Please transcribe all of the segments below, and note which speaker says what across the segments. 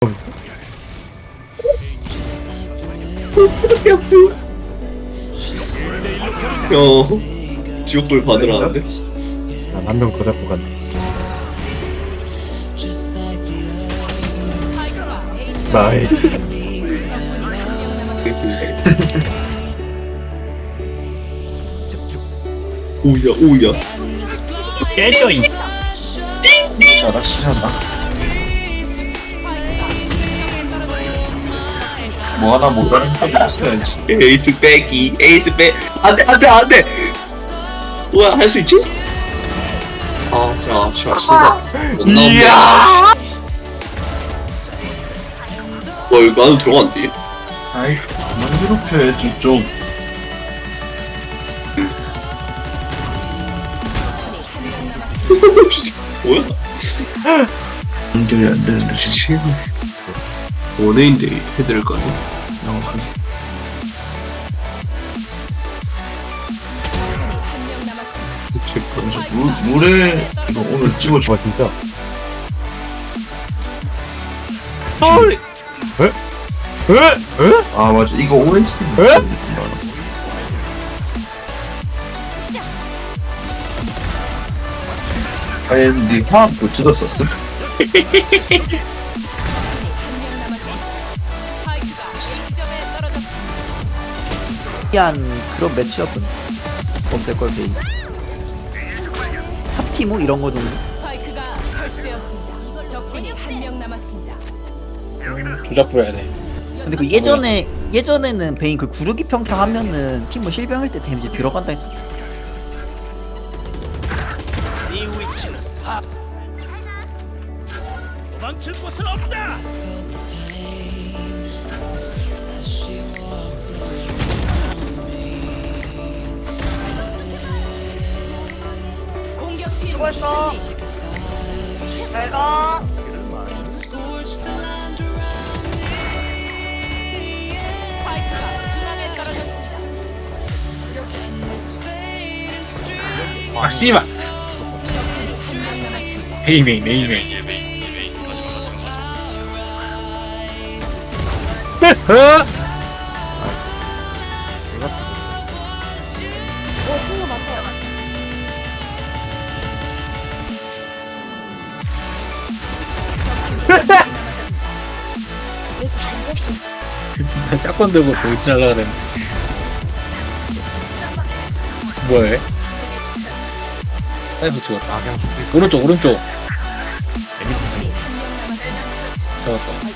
Speaker 1: 지옥불 받으라는데?
Speaker 2: 난 한 명 더 잡고 간다. 나이스.
Speaker 1: 오야 오야.
Speaker 2: 깨져 있어.
Speaker 3: 잘하시잖아. 뭐 하나 못하는 게 없어야지.
Speaker 1: 에이스 빼기 에이스 빼. 안돼 안돼 안돼. 뭐야 할 수 있지? 아자 씨발 못 나온다. 와 이거 나도 들어간디?
Speaker 3: 아이, 그만 괴롭혀야지, 좀.
Speaker 1: 뭐야? 연결이 안 되는데 지금 원해인데 해드릴 거 아니야? 대체
Speaker 3: 그래서 물에 이거 오늘 찍어줘.
Speaker 2: 와 진짜.
Speaker 1: 헐!
Speaker 2: 에?
Speaker 3: 아 맞아, 이거 OX.
Speaker 2: 에?
Speaker 3: 아니, 네 화학 못 찍었었어?
Speaker 4: 특이한 그런 매치업은 없을걸 베이 탑티모 이런 거 정도?
Speaker 5: 스파이크가 설치되었습니다. 적군이 한 명 남았습니다.
Speaker 6: 조작 부려야 돼.
Speaker 4: 근데 그 예전에는 베인 그 구르기 평타 하면은 티모 실병일 때 데미지 들어간다 했어.
Speaker 6: 망칠 곳은 없다.
Speaker 5: 공격팀
Speaker 7: 수고했어. 잘 가.
Speaker 5: 스파이크가 중앙에 떨어졌습니다.
Speaker 6: 아 씨발. 베이메인 베이메인. 짝건 들고 돌진하려고 그랬는데 뭐해? 사이버 죽었다. 오른쪽 오른쪽 잡았다.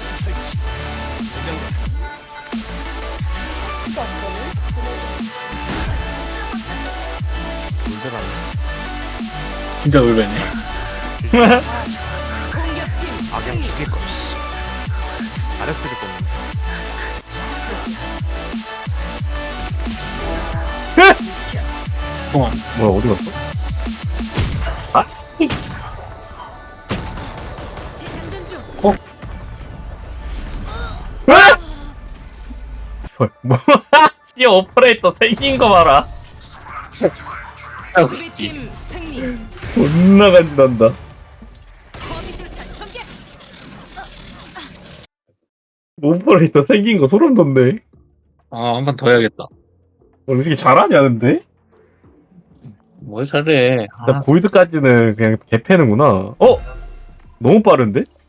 Speaker 6: 진짜 울베네.
Speaker 5: 공격팀
Speaker 2: 악양 죽일 거. 잘했을 거.
Speaker 6: 어.
Speaker 2: 뭐야 어디 갔어?
Speaker 5: 재장전 중.
Speaker 2: 헐 뭐? 씨 오퍼레이터 생긴 거 봐라.
Speaker 6: 아이고 씨.
Speaker 5: 수비팀 승리.
Speaker 2: 존나 간단다.
Speaker 5: 범위술탄 전개.
Speaker 2: 오퍼레이터 생긴 거 소름 돋네.
Speaker 6: 아, 한 번 더 해야겠다.
Speaker 2: 이 새끼 잘하냐 근데?
Speaker 6: 뭘 잘해.
Speaker 2: 나 골드까지는 그냥 개패는구나. 너무 빠른데?